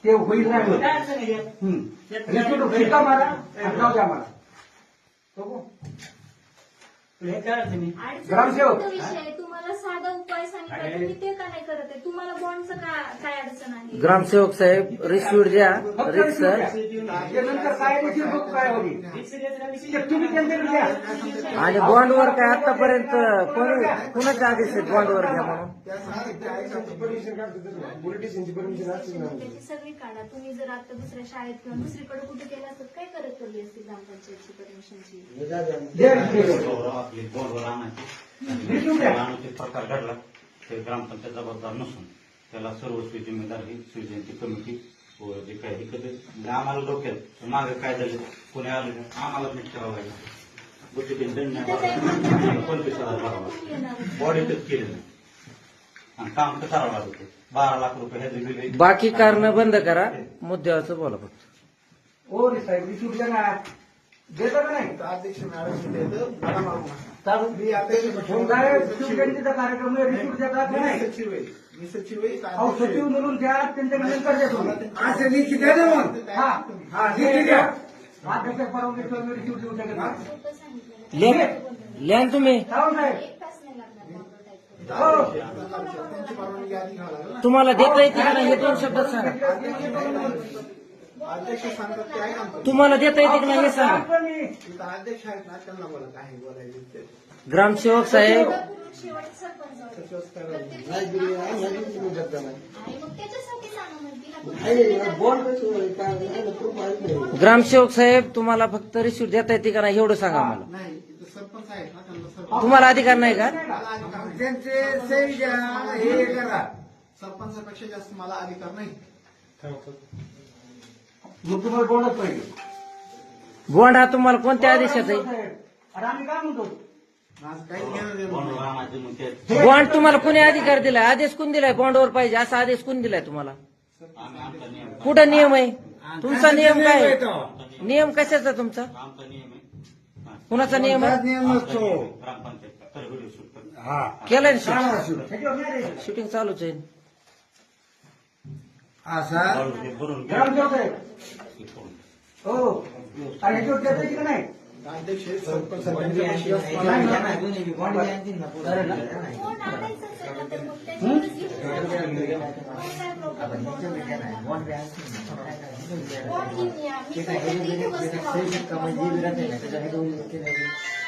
ते होईल नाही होत. काय अडचण आहे यात? रिसिप्ट शिक्का मारा आणि जाऊ द्या मला बघू. हे काय अडचण आहे? ग्रामसेवक. अडचणीचा विषय आहे. तुम्हाला साधा उपाय सांगितला तुम्ही ते का नाही करत आहे? तुम्हाला बॉन्डचं काय अडचण आहे? ग्रामसेवक साहेब रिसिव्ह द्या फक्त रिक्स receipt द्या. ते नंतर काय देखील बघू काय होईल ते तुम्ही त्यांच्याकडे द्या. आणि बॉन्डवर काय आतापर्यंत कुणाचे आदेश आहेत बॉन्डवर घ्या म्हणून? त्याची सगळी काढा. तुम्ही जर आता दुसऱ्या शाळेत किंवा दुसरीकडे कुठे गेला असतात काय करत पडली असती ग्रामपंचायतची परमिशनची? द्या receipt. आपली बोर्डवर रिसिप्ट द्या. आणायचे प्रकार घडला ते ग्रामपंचायत जबाबदार नसून त्याला सर्वस्वी जिम्मेदार ही शिवजयंती कमिटी व जे काही इकडे म्हणजे आम्हाला डोक्यात मागे काय झालं कोणी आलं नाही, आम्हाला मीठ ठेवावं लागलं गोष्टीतील दंड नाही भरावा, 25,000 भरावा बॉडीतच केलं नाही आणि काम तर करावं लागत होतं. 12 लाख रुपये ह्याचे बिल बाकी कारण बंद करा मुद्द्यावरचं बोला फक्त. हो रे साहेब रिसिप्ट द्या ना. देता का नाही अध्यक्ष मॅडम चालू मी अध्यक्ष फोन काय शिवजयंतीचा कार्यक्रम आहे, रिसिप्ट देतात का नाही? सचिव आहे मी सचिव आहे अहो सचिव म्हणून द्या त्यांच्याकडे नंतर द्या तुम्ही. असं लिखी द्या ना मग हा हा लिखी द्या. अध्यक्ष परवानगी मी रिसिप्ट देऊ शकत नाही. सोपं सांगितलं. लिहा ना तुम्ही. सावंत साहेब. एक तास नाही लागणार बॉन्ड टाईप हो त्यांची परवानगी आधी घ्यावं लागेल ना. तुम्हाला देता येते का नाही हे 2 शब्दात सांगा. अध्यक्ष सांगतात ते आहे ना तुम्हाला देता येते की नाही हे सांगा. इथं अध्यक्ष आहेत ना त्यांना बोला काय बोलायचं ते. ग्रामसेवक साहेब शेवट सरपंच सचिव काय प्रत्येक आणि मग त्याच्यासाठी सांगा म्हणते ग्रामसेवक साहेब तुम्हाला फक्त रिसिव्ह देता येते का नाही एवढं सांगा मला. नाही इथं सरपंच आहेत ना त्यांना सरपंच तुम्हाला अधिकार नाही का? त्यांचे सही द्या हे करा. सरपंचापेक्षा जास्त मला अधिकार नाही. मग तुम्हाला बोलत पाहिजे. बॉन्ड हा तुम्हाला कोणत्या आदेशात आहे? अरे आम्ही काय म्हणतो माझं काही घेणं देणं बॉन्डवर नाही. आणायचे मग ते बॉन्ड तुम्हाला कोणी अधिकार दिलाय? आदेश कोण दिलाय बॉन्डवर पाहिजे असा आदेश कोण दिलाय तुम्हाला? आम्ही आमचा नियम कुठं नियम आहे तुमचा? नियम काय आहे? नियम कशाचा तुमचा? आमचा नियम आहे हा. कुणाचा नियम आहे? ग्रामपंचायत तर व्हिडिओ शूट करतो. केलाय ना शूटिंग? शूटिंग चालूच आहे. भरून ग्रामसेवक साहेब. घ्या. हो आणि ह्याच्यावर देता येते का नाही? अध्यक्ष आहेत, सरपंच त्यांच्यापेक्षा जास्त मला नाही, अधिकार नाही, नाही. बॉन्ड आणायचंच आहे ना, तर मग त्याच्यावरच घेऊन बॉन्ड घेऊन या. मी स्वतः तिथे वस्तू वापरू शकतो.